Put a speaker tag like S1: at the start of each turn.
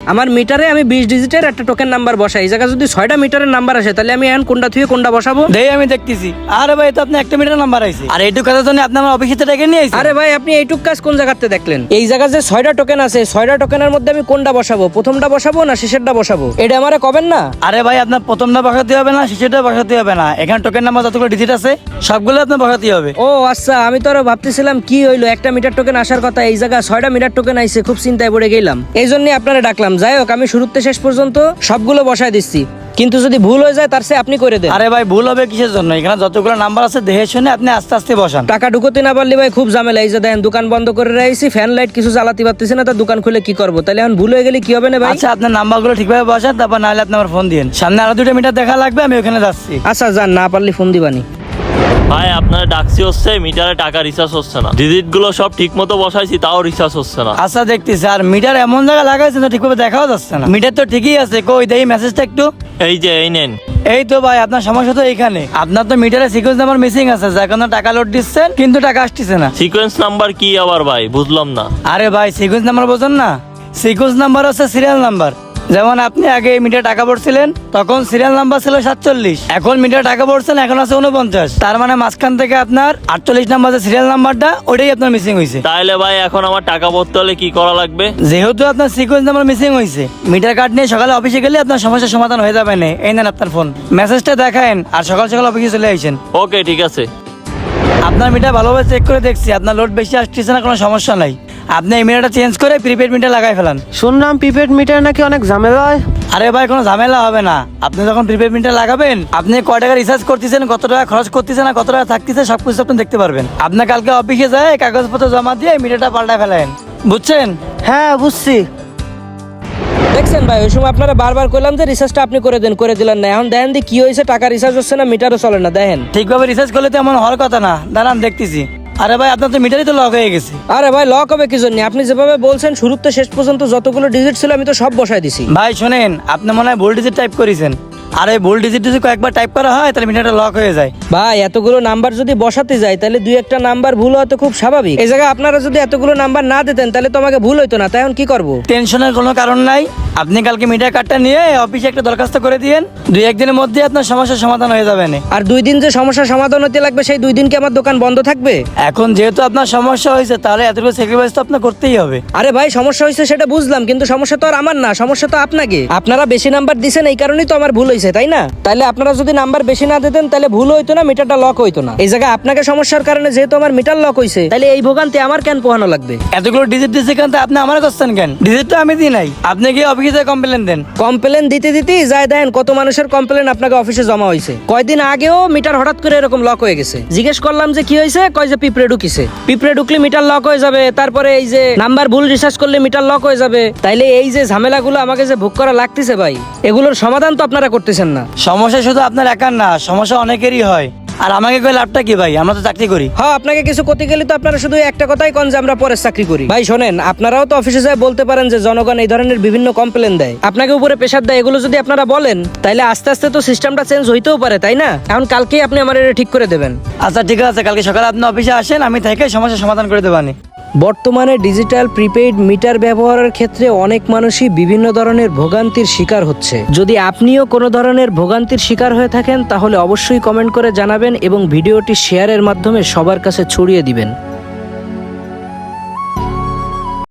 S1: আমার মিটারে আমি 20 ডিজিটের একটা টোকেন নাম্বার বসাই, এই জায়গায় যদি 6টা মিটারের নাম্বার আসে তাহলে আমি এখন কোনটা থেকে কোনটা বসাবো?
S2: দেই আমি দেখতেছি। আরে ভাই তো আপনি একটা মিটার নাম্বার আইছে, আর এইটুকু কথার জন্য আপনি আমার অফিসে ডেকে নিয়ে আইছেন।
S1: আরে ভাই আপনি এইটুক কাজ কোন জায়গাতে দেখলেন? এই জায়গায় যে 6টা টোকেন আছে, 6টা টোকেনের মধ্যে আমি কোনটা বসাবো, প্রথমটা বসাবো না শেষেরটা বসাবো, এটা আমারে কবেন না?
S2: আরে ভাই আপনার প্রথমটা বসাতে হবে না, শেষেরটা বসাতে হবে না, এখানে টোকেন নাম্বার যতগুলো ডিজিট আছে সবগুলো আপনার বসাতে হবে।
S1: ও আচ্ছা, আমি তো আরো ভাবতেছিলাম কি হইলো, একটা মিটার টোকেন আসার কথা, এই জায়গায় 6টা মিটার টোকেন আইছে, খুব চিন্তায় পড়ে গেলাম। এই জন্যই আপনারা ডাকলাম। যাই হোক, আমি শুরুতে শেষ পর্যন্ত সবগুলো বসায় দিচ্ছি, কিন্তু যদি ভুল হয়ে যায় তার চেয়ে আপনি করে দেন।
S2: আরে ভাই ভুল হবে কিসের জন্য? এখানে যতগুলো নাম্বার আছে দেখে শুনে আপনি আস্তে আস্তে বসান।
S1: টাকা ঢুকোতে না পারলে ভাই খুব ঝামেলা। এই যে দেখেন দোকান বন্ধ করে রাখছি, ফ্যান লাইট কিছু জ্বালাতে পারতেছি না, তা দোকান খুলে কি করবো? তাহলে এখন ভুল হয়ে গেলে কি হবে না ভাই?
S2: আচ্ছা আপনার নাম্বারগুলো ঠিকভাবে বসান, তারপর নাহলে আপনি আমার ফোন দিন। সামনে আরো 2টা মিটার দেখা লাগবে, আমি ওখানে যাচ্ছি।
S1: আচ্ছা যান, না পারলে ফোন দিবানি।
S3: ভাই আপনার ডাকসি হচ্ছে, মিটারে টাকা রিচার্জ হচ্ছে না। ডিজিট গুলো সব ঠিক মতো বসাইছি, তাও রিচার্জ হচ্ছে না।
S2: আচ্ছা দেখতেছি, আর মিটার এমন জায়গায় লাগাইছে না ঠিকভাবে দেখাও যাচ্ছে না। মিটার তো ঠিকই আছে, কই দেই মেসেজটা একটু।
S3: এই যে এই নেন।
S2: এই তো ভাই আপনার সমস্যা তো এইখানে, আপনার তো মিটারে সিকোয়েন্স নাম্বার মিসিং আছে, যার কারণে টাকা লোড দিচ্ছেন কিন্তু টাকা আসতেছে না।
S3: সিকোয়েন্স নাম্বার কি আবার ভাই, বুঝলাম না।
S2: আরে ভাই সিকোয়েন্স নাম্বার বোঝেন না? সিকোয়েন্স নাম্বার হচ্ছে সিরিয়াল নাম্বার। যেমন আপনি আগে মিটার টাকা ভরছিলেন তখন সিরিয়াল নাম্বার ছিল 47, এখন মিটার টাকা ভরছেন এখন আছে 49, তার মানে মাঝখান থেকে আপনার 48 নাম্বার যে সিরিয়াল নাম্বারটা ওইটাই আপনার মিসিং হয়েছে।
S3: তাহলে ভাই এখন আমার টাকা ভরতে হলে কি করা লাগবে?
S2: যেহেতু আপনার সিকোয়েন্স নাম্বার মিসিং হয়েছে, মিটার কার্ড নিয়ে সকালে অফিসে গেলে আপনার সমস্যার সমাধান হয়ে যাবে না। এই নেন আপনার ফোন, মেসেজটা দেখায়েন আর সকাল সকাল অফিসে চলে আইসেন।
S3: ওকে ঠিক আছে।
S2: আপনার মিটার ভালোভাবে চেক করে দেখছি, আপনার লোড বেশি আসতেছে না, কোনো সমস্যা নাই। আপনি এই মিটারটা চেঞ্জ করে প্রিপেড মিটার লাগাই ফেলান।
S4: শুনলাম প্রিপেড মিটার নাকি অনেক ঝামেলা হয়।
S2: আরে ভাই কোনো ঝামেলা হবে না। আপনি যখন প্রিপেড মিটার লাগাবেন, আপনি কয় টাকা রিচার্জ করতেছেন, কত টাকা খরচ করতেছেন আর কত টাকা থাকতেছে সবকিছু আপনি দেখতে পারবেন। আপনার কালকে অফিসে যায় কাগজপত্র জমা দিয়ে মিটারটা পাল্টায় ফেলেন, বুঝছেন?
S4: হ্যাঁ বুঝছি।
S1: দেখছেন ভাই, ওই সময় আপনারা বারবার কইলাম যে রিচার্জটা আপনি করে দেন, করে দিলেন না। এখন দেখেন দি কি হয়েছে, টাকা রিচার্জ হচ্ছে না, মিটারও চলে না। দেখেন
S2: ঠিকভাবে রিচার্জ করলে তো এমন হওয়ার কথা না। দাঁড়ান দেখতেছি। আরে ভাই আপনার তো মিটারই তো লক হয়ে গেছে।
S1: আরে ভাই লক হবে কি জন্য? আপনি যেভাবে বলছেন শুরুতে শেষ পর্যন্ত যতগুলো ডিজিট ছিল আমি তো সব বসাই দিছি।
S2: ভাই শোনেন, আপনি মনে হয় ভুল ডিজিট টাইপ করেছেন। আর এই ভুল ডিজিট যদি কয়েকবার টাইপ করা হয় তাহলে মিটারটা লক হয়ে যায়।
S1: ভাই এতগুলো নাম্বার যদি বসাতে যাই তাহলে দুই একটা নাম্বার ভুল হওয়া তো খুব স্বাভাবিক। এই জায়গায় আপনারা যদি এতগুলো নাম্বার না দিতেন তাহলে তো আমাকে ভুল হইতো না। তাই এখন কি করবো?
S2: টেনশনের কোনো কারণ নাই। আপনি কালকে মিটার কার্ডটা নিয়ে অফিসে একটা দরখাস্ত করে দিয়েন, 2-1 দিনের মধ্যে আপনার সমস্যার সমাধান হয়ে যাবে না।
S1: আর 2 দিন যে সমস্যার সমাধান হতে লাগবে, সেই 2 দিন কি আমার দোকান বন্ধ থাকবে?
S2: এখন যেহেতু আপনার সমস্যা হয়েছে তাহলে এতটুকু স্যাক্রিফাইস তো আপনার করতেই হবে।
S1: আরে ভাই সমস্যা হয়েছে সেটা বুঝলাম, কিন্তু সমস্যা তো আর আমার না, সমস্যা তো আপনাকে। আপনারা বেশি নাম্বার দিছেন এই কারণেই তো আমার ভুল হয়েছে, তাই না? তাহলে আপনারা যদি নাম্বার বেশি না দিতেন তাহলে ভুল হইতো না, মিটারটা লক হইতো না। এই জায়গায় আপনাকে সমস্যার কারণে যেহেতু আমার মিটার লক হয়েছে, তাহলে এই ভোগান্তি আমার কেন পোহানো লাগবে?
S2: এতগুলো ডিজিট দিচ্ছে কেন তা আপনি আমার করছেন কেন? ডিজিট তো আমি দিই নাই, আপনি গিয়ে অফিসে কমপ্লেন দেন।
S1: কমপ্লেন দিতে দিতেই যায় দেন কত মানুষের কমপ্লেন আপনাকে অফিসে জমা হয়েছে। কয়দিন আগেও মিটার হঠাৎ করে এরকম লক হয়ে গেছে। জিজ্ঞেস করলাম যে কি হয়েছে, কয় যে পিঁপড়ে ঢুকিছে। পিঁপড়ে ঢুকলে মিটার লক হয়ে যাবে, তারপরে এই যে নাম্বার ভুল রিসার্চ করলে মিটার লক হয়ে যাবে। তাইলে এই যে ঝামেলাগুলো আমাকে যে ভোগ করা লাগতেছে ভাই, এগুলোর সমাধান তো আপনারা করতেছেন না।
S2: সমস্যা শুধু আপনার একার না, সমস্যা অনেকেরই হয়। আর আমাকে কই লাভটা কি ভাই? আমরা তো চাকরি করি।
S1: হ্যাঁ, আপনাকে কিছু করতে গেলে তো আপনারা শুধু একটা কথাই কন যে আমরা পরের চাকরি করি। ভাই শোনেন, আপনারাও তো অফিসে যায় বলতে পারেন যে জনগণ এই ধরনের বিভিন্ন কমপ্লেন দেয়, আপনাকে উপরে প্রেশার দেয়। এগুলো যদি আপনারা বলেন তাহলে আস্তে আস্তে তো সিস্টেমটা চেঞ্জ হইতেও পারে, তাই না? এখন কালকেই আপনি আমার এটা ঠিক করে দেবেন।
S2: আচ্ছা ঠিক আছে, কালকে সকালে আপনি অফিসে আসেন, আমি থেকে সমস্যার সমাধান করে দেবানি।
S1: বর্তমানে ডিজিটাল প্রিপেইড মিটার ব্যবহারের ক্ষেত্রে অনেক মানুষই বিভিন্ন ধরনের ভোগান্তির শিকার হচ্ছে। যদি আপনিও কোনো ধরনের ভোগান্তির শিকার হয়ে থাকেন তাহলে অবশ্যই কমেন্ট করে জানাবেন এবং ভিডিওটি শেয়ারের মাধ্যমে সবার কাছে ছড়িয়ে দিবেন।